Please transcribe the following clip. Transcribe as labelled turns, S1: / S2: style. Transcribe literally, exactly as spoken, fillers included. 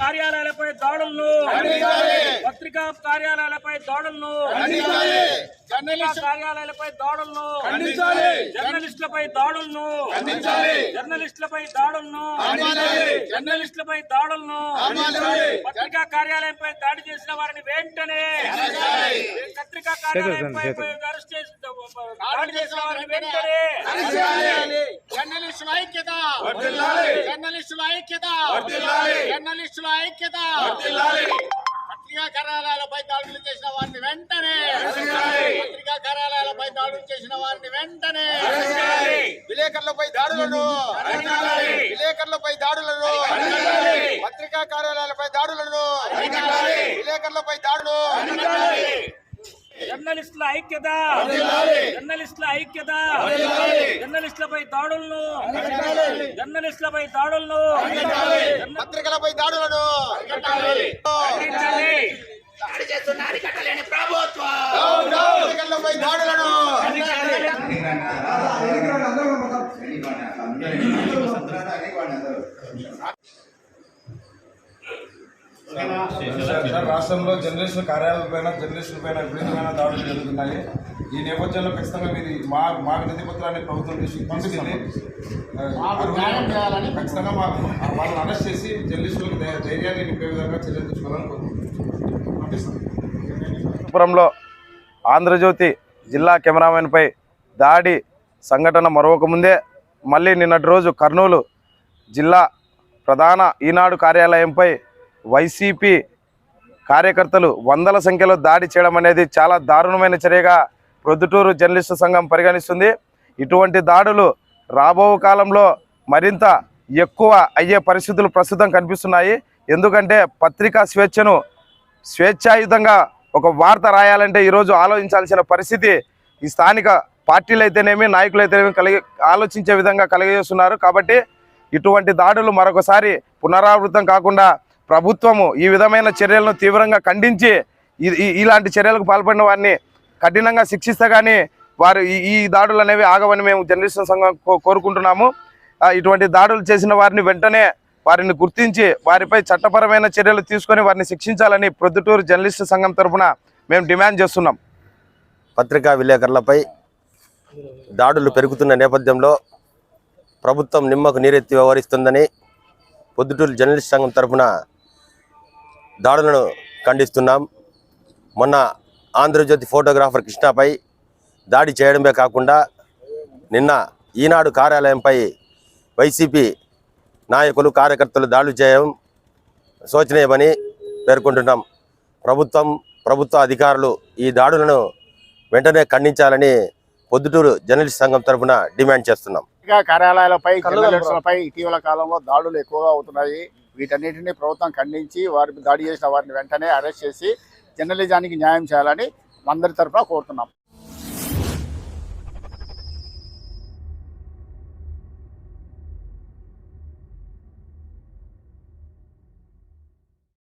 S1: కార్యాలయాలపై దాడులను పత్రికా కార్యాలయాలపై దాడులను కార్యాలయాలపై దాడులను జర్నలిస్టులపై దాడులను జర్నలిస్టులపై దాడులను జర్నలిస్టులపై దాడులను పత్రికా కార్యాలయంపై దాడి చేసిన వారిని వెంటనే పత్రికా కార్యాలయంపై అరెస్ట్ చేసి దాడి చేసిన వారిని వెంటనే
S2: జర్నలిస్టుల ఐక్యత జర్నలిస్టుల ఐక్యత జర్నలిస్టుల ఐక్యత పత్రికా కార్యాలయాలపై దాడులు చేసిన వారిని వెంటనే పత్రికా కార్యాలయాలపై దాడులు చేసిన వారిని వెంటనే విలేకరులపై దాడులను విలేకరులపై దాడులను పత్రికా కార్యాలయాలపై దాడులను విలేకరులపై దాడులు
S1: జర్నలిస్టుల ఐక్యత జర్నలిస్టుల ఐక్యత జర్నలిస్టులపై దాడులను జర్నలిస్టులపై దాడులను
S2: పత్రికలపై దాడులను
S3: దాడి చేస్తున్నారు కట్టలేని ప్రభుత్వం
S2: పత్రికలపై దాడులను
S4: రాష్ట్రంలో జర్నలిస్టుల కార్యాలయాలపైన జర్నలిస్టుల పైన విపరీతమైన దాడులు జరుగుతున్నాయి. ఈ నేపథ్యంలో ఖచ్చితంగా మీరు మా మా వినతి పత్రాన్ని ప్రభుత్వం తీసుకెళ్ళి ఖచ్చితంగా మా వాళ్ళని అరెస్ట్ చేసి జర్నలిస్టులకు ధైర్యాన్ని నింపే విధంగా చర్యలు తీసుకోవాలని కోరుకుంటున్నాం.
S5: పురంలో ఆంధ్రజ్యోతి జిల్లా కెమెరామెన్పై దాడి సంఘటన మరొక ముందే మళ్ళీ నిన్నటి రోజు కర్నూలు జిల్లా ప్రధాన ఈనాడు కార్యాలయంపై వైసీపీ కార్యకర్తలు వందల సంఖ్యలో దాడి చేయడం అనేది చాలా దారుణమైన చర్యగా ప్రొద్దుటూరు జర్నలిస్టు సంఘం పరిగణిస్తుంది. ఇటువంటి దాడులు రాబో కాలంలో మరింత ఎక్కువ అయ్యే పరిస్థితులు ప్రస్తుతం కనిపిస్తున్నాయి. ఎందుకంటే పత్రికా స్వేచ్ఛను స్వేచ్ఛాయుతంగా ఒక వార్త రాయాలంటే ఈరోజు ఆలోచించాల్సిన పరిస్థితి ఈ స్థానిక పార్టీలు అయితేనేమి నాయకులు అయితేనేమి కలిగి ఆలోచించే విధంగా కలిగజేస్తున్నారు. కాబట్టి ఇటువంటి దాడులు మరొకసారి పునరావృతం కాకుండా ప్రభుత్వము ఈ విధమైన చర్యలను తీవ్రంగా ఖండించి ఇలాంటి చర్యలకు పాల్పడిన వారిని కఠినంగా శిక్షిస్తే కానీ వారు ఈ దాడులు అనేవి ఆగవని మేము జర్నలిస్టు సంఘం కోరుకుంటున్నాము. ఇటువంటి దాడులు చేసిన వారిని వెంటనే వారిని గుర్తించి వారిపై చట్టపరమైన చర్యలు తీసుకొని వారిని శిక్షించాలని ప్రొద్దుటూరు జర్నలిస్టు సంఘం తరఫున మేము డిమాండ్ చేస్తున్నాం.
S6: పత్రికా విలేకరులపై దాడులు పెరుగుతున్న నేపథ్యంలో ప్రభుత్వం నిమ్మకు నీరెత్తి వ్యవహరిస్తుందని పొద్దుటూరు జర్నలిస్ట్ సంఘం తరఫున దాడులను ఖండిస్తున్నాం. మొన్న ఆంధ్రజ్యోతి ఫోటోగ్రాఫర్ కృష్ణపై దాడి చేయడమే కాకుండా నిన్న ఈనాడు కార్యాలయంపై వైసీపీ నాయకులు కార్యకర్తలు దాడులు చేయడం శోచనీయమని పేర్కొంటున్నాం. ప్రభుత్వం ప్రభుత్వ అధికారులు ఈ దాడులను వెంటనే ఖండించాలని పొద్దుటూరు జర్నలిస్ట్ సంఘం తరఫున డిమాండ్ చేస్తున్నాం.
S2: కార్యాలయాలపై జర్నలిస్టులపై ఇటీవల కాలంలో దాడులు ఎక్కువగా అవుతున్నాయి. వీటన్నిటిని ప్రభుత్వం ఖండించి వారిని దాడి చేసిన వారిని వెంటనే అరెస్ట్ చేసి జర్నలిజానికి న్యాయం చేయాలని అందరి తరఫున కోరుతున్నాం.